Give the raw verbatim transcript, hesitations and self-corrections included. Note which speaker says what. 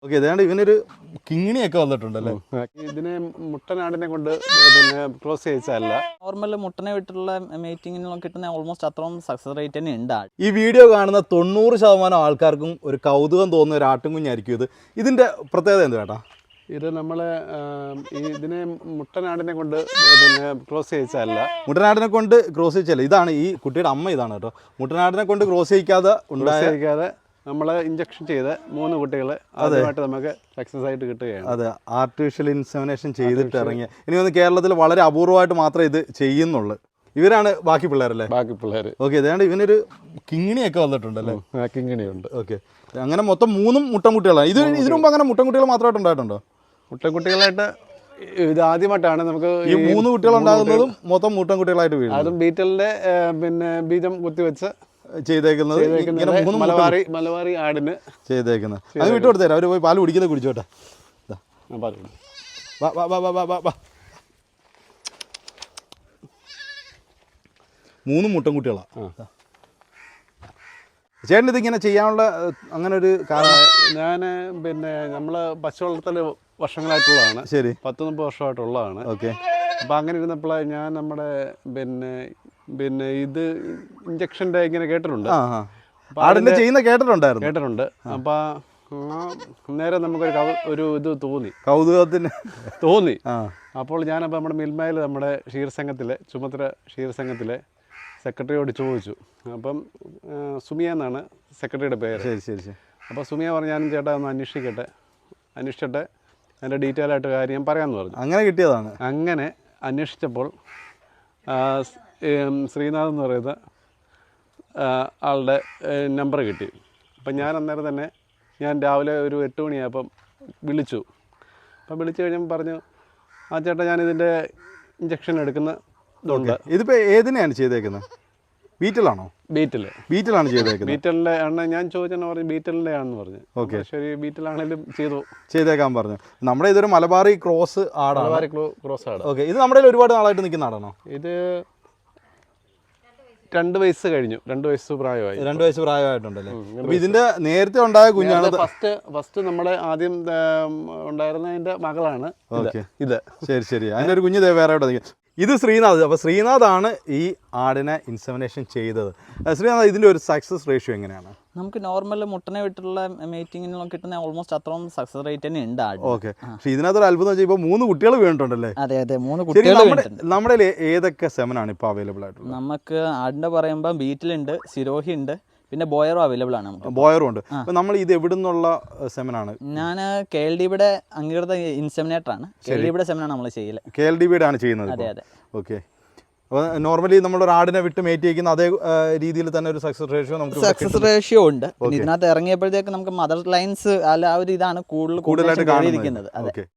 Speaker 1: Okay, ഇതാണ്ട് ഇവനൊരു കിങ്ങിണിയൊക്കെ വന്നിട്ടുണ്ടല്ലേ.
Speaker 2: ഇതിനെ മുട്ടനാടിനെ കൊണ്ട് പിന്നെ ക്രോസ് ചെയ്യിച്ചല്ല.
Speaker 3: നോർമൽ മുട്ടനെ വിട്ടുള്ള മീറ്റിങ്ങിന് കിട്ടുന്ന ഓൾമോസ്റ്റ് അത്രയും സക്സസ് റേറ്റ് തന്നെ ഉണ്ട്.
Speaker 1: ഈ വീഡിയോ കാണുന്ന തൊണ്ണൂറ് ശതമാനം ആൾക്കാർക്കും ഒരു കൗതുകം തോന്നുന്ന ഒരു ആട്ടുംകുഞ്ഞായിരിക്കും ഇത്. ഇതിന്റെ പ്രത്യേകത എന്ത് ചേട്ടാ?
Speaker 2: ഇത് നമ്മൾ ഈ ഇതിനെ മുട്ടനാടിനെ കൊണ്ട് പിന്നെ ക്രോസ് ചെയ്യിച്ചല്ല.
Speaker 1: മുട്ടനാടിനെ കൊണ്ട് ക്രോസ് ചെയ്യിച്ചല്ല, ഇതാണ് ഈ കുട്ടിയുടെ അമ്മ. ഇതാണ് കേട്ടോ, മുട്ടനാടിനെ കൊണ്ട് ക്രോസ് ചെയ്യിക്കാതെ
Speaker 2: ഉണ്ടായിരിക്കാതെ നമ്മൾ ഇഞ്ചക്ഷൻ ചെയ്ത് മൂന്ന് കുട്ടികൾ ആദ്യമായിട്ട് നമുക്ക് സക്സസ് ആയിട്ട് കിട്ടുകയാണ്.
Speaker 1: അതെ, ആർട്ടിഫിഷ്യൽ ഇൻസെമിനേഷൻ ചെയ്തിട്ട് ഇറങ്ങിയ. ഇനി ഒന്ന് കേരളത്തിൽ വളരെ അപൂർവമായിട്ട് മാത്രമേ ഇത് ചെയ്യുന്നുള്ളൂ. ഇവരാണ് ബാക്കി പിള്ളേരല്ലേ?
Speaker 2: ബാക്കി പിള്ളേർ.
Speaker 1: ഓക്കെ, ഇതാണ്ട് ഇവനൊരു കിങ്ങിണിയൊക്കെ വന്നിട്ടുണ്ടല്ലേ.
Speaker 2: കിങ്ങിണിയുണ്ട്.
Speaker 1: ഓക്കെ, അങ്ങനെ മൊത്തം മൂന്നും മുട്ടൻകുട്ടികളാണ്. ഇത് ഇതിനു മുമ്പ് അങ്ങനെ മുട്ടൻകുട്ടികൾ മാത്രമായിട്ട് ഉണ്ടായിട്ടുണ്ടോ?
Speaker 2: മുട്ടൻകുട്ടികളായിട്ട് ഇത് ആദ്യമായിട്ടാണ് നമുക്ക്
Speaker 1: ഈ മൂന്ന് കുട്ടികൾ ഉണ്ടാകുന്നതും മൊത്തം മുട്ടൻകുട്ടികളായിട്ട് വീഴും.
Speaker 2: അതും ബീറ്റലിന്റെ പിന്നെ ബീജം കുത്തിവെച്ച് ചെയ്തേക്കുന്നത്. മലബാറി മലബാറി ആടിന്
Speaker 1: ചെയ്തേക്കുന്നത്. അത് വിട്ടു കൊടുത്തേരാ, അവർ പോയി പാല് കുടിക്കുന്നത് കുടിച്ചോട്ടെ. മൂന്ന് മുട്ടൻകുട്ടികളാണ്. ചേട്ടൻ ഇതിങ്ങനെ ചെയ്യാനുള്ള അങ്ങനെ ഒരു കാരണം?
Speaker 2: ഞാൻ പിന്നെ നമ്മൾ പശു വളർത്തൽ വർഷങ്ങളായിട്ടുള്ളതാണ്.
Speaker 1: ശരി,
Speaker 2: പത്ത് മുപ്പത് വർഷമായിട്ടുള്ളതാണ്.
Speaker 1: ഓക്കെ.
Speaker 2: അപ്പം അങ്ങനെ ഇരുന്നപ്പോൾ ഞാൻ നമ്മുടെ പിന്നെ പിന്നെ ഇത് ഇഞ്ചക്ഷൻ്റെ ഇങ്ങനെ കേട്ടിട്ടുണ്ട്.
Speaker 1: ആടിന്റെ ചെയ്യുന്ന കേട്ടിട്ടുണ്ടായിരുന്നു
Speaker 2: കേട്ടിട്ടുണ്ട് അപ്പം നേരെ നമുക്കൊരു ഒരു ഇത് തോന്നി,
Speaker 1: കൗതുകത്തിന്
Speaker 2: തോന്നി. അപ്പോൾ ഞാനപ്പോൾ നമ്മുടെ മിൽമയിൽ നമ്മുടെ ക്ഷീരസംഘത്തിലെ ചുമത്തല ക്ഷീരസംഘത്തിലെ സെക്രട്ടറിയോട് ചോദിച്ചു. അപ്പം സുമിയ എന്നാണ് സെക്രട്ടറിയുടെ പേര്.
Speaker 1: ശരി ശരി ശരി.
Speaker 2: അപ്പോൾ സുമിയ പറഞ്ഞു, ഞാനും ചേട്ടാ ഒന്ന് അന്വേഷിക്കട്ടെ, അന്വേഷിച്ചിട്ട് അതിൻ്റെ ഡീറ്റെയിൽ ആയിട്ട് കാര്യം ഞാൻ പറയാമെന്ന് പറഞ്ഞു.
Speaker 1: അങ്ങനെ കിട്ടിയതാണ്.
Speaker 2: അങ്ങനെ അന്വേഷിച്ചപ്പോൾ ശ്രീനാഥ് എന്ന് പറയുന്ന ആളുടെ നമ്പർ കിട്ടി. അപ്പം ഞാൻ അന്നേരം തന്നെ ഞാൻ രാവിലെ ഒരു എട്ട് മണിയായപ്പം വിളിച്ചു. അപ്പം വിളിച്ചു കഴിഞ്ഞപ്പോൾ പറഞ്ഞു, ആ ചേട്ടാ ഞാനിതിൻ്റെ ഇഞ്ചക്ഷൻ എടുക്കുന്ന ഇതുണ്ട്.
Speaker 1: ഇതിപ്പോൾ ഏതിനെയാണ് ചെയ്തേക്കുന്നത്? ബീറ്റലാണോ?
Speaker 2: ബീറ്റൽ
Speaker 1: ബീറ്റലാണ് ചെയ്തേക്കുന്നത്.
Speaker 2: ബീറ്റലിൻ്റെ ആണ് ഞാൻ ചോദിച്ചെന്ന് പറഞ്ഞു, ബീറ്റലിൻ്റെ ആണെന്ന് പറഞ്ഞു. ഓക്കെ, ശരി, ബീറ്റലാണെങ്കിലും ചെയ്തു
Speaker 1: ചെയ്തേക്കാൻ പറഞ്ഞു. നമ്മുടെ ഇതൊരു മലബാറി ക്രോസ് ആടാണ്.
Speaker 2: മലബാറി ക്രോസ് ആട്.
Speaker 1: ഓക്കെ, ഇത് നമ്മുടെ ഒരുപാട് നാളായിട്ട് നിൽക്കുന്ന ആടാണോ?
Speaker 2: ഇത് രണ്ട് വയസ്സ് കഴിഞ്ഞു, രണ്ട് വയസ്സ് പ്രായമായി.
Speaker 1: രണ്ട് വയസ്സ് പ്രായമായിട്ടുണ്ടല്ലേ. അപ്പോൾ ഇതിന്റെ നേരത്തെ ഉണ്ടായ കുഞ്ഞാണ്.
Speaker 2: ഫസ്റ്റ് ഫസ്റ്റ് നമ്മുടെ ആദ്യം ഉണ്ടായിരുന്നതിന്റെ മകളാണ് ഇത്.
Speaker 1: ശരി ശരി, അതിൻ്റെ ഒരു കുഞ്ഞ് വേറെ ഇവിടെ നിൽക്കും. ഇത് ശ്രീനാഥ്. അപ്പോൾ ശ്രീനാഥാണ് ഈ ആടിനെ ഇൻസെമിനേഷൻ ചെയ്തത്. ശ്രീനാഥ്, ഇതിൻ്റെ ഒരു സക്സസ് റേഷ്യോ എങ്ങനെയാണ്?
Speaker 3: നമുക്ക് നോർമൽ മുട്ടനെ വിട്ടുള്ള മീറ്റിങ്ങിന് കിട്ടുന്ന ഓൾമോസ്റ്റ് അത്രയും സക്സസ് റേറ്റ് തന്നെ ഉണ്ട്.
Speaker 1: ഓക്കെ, പക്ഷേ ഇതിനകത്തൊരു അത്ഭുതം വെച്ചാൽ ഇപ്പോൾ മൂന്ന് കുട്ടികൾ വീണിട്ടുണ്ടല്ലേ?
Speaker 3: അതെ അതെ, മൂന്ന് കുട്ടികൾ.
Speaker 1: നമ്മുടെ ഏതൊക്കെ സെമനാണ് ഇപ്പോൾ അവൈലബിൾ ആയിട്ടുള്ളത്?
Speaker 3: നമുക്ക് ആടിന്റെ പറയുമ്പോൾ ബീറ്റിലുണ്ട്, സിരോഹി ഉണ്ട്, പിന്നെ ബോയറും അവൈലബിൾ ആണ്. നമുക്ക്
Speaker 1: ബോയറും ഉണ്ട്. അപ്പോൾ നമ്മൾ ഇത് എവിടെ നിന്നുള്ള സെമനാണ്?
Speaker 3: ഞാൻ കെ എൽ ഡി ബിയുടെ അംഗീകൃത ഇൻസെമിനേറ്റർ ആണ്. കെ എൽ ഡി ബിയുടെ സെമനാണ് നമ്മൾ ചെയ്യല്.
Speaker 1: കെ എൽ ഡി ബിയുടെ ആണ് ചെയ്യുന്നത്.
Speaker 3: അതെ അതെ.
Speaker 1: ഓക്കെ, അപ്പോൾ നോർമലി നമ്മളൊരു ആടിനെ വിട്ട് മേറ്റ് ചെയ്യുന്ന അതേ രീതിയിൽ തന്നെ ഒരു സക്സസ് റേഷ്യോ നമുക്ക്
Speaker 3: സക്സസ് റേഷ്യോ ഉണ്ട്. ഇതിനകത്ത് ഇറങ്ങിയപ്പോഴത്തേക്ക് നമുക്ക് മദർ ലൈൻസ് അല്ല ആ ഒരു ഇതാണ് കൂടുതൽ കൂടുതലായിട്ട് കാണുന്നത്.
Speaker 1: ഓക്കെ.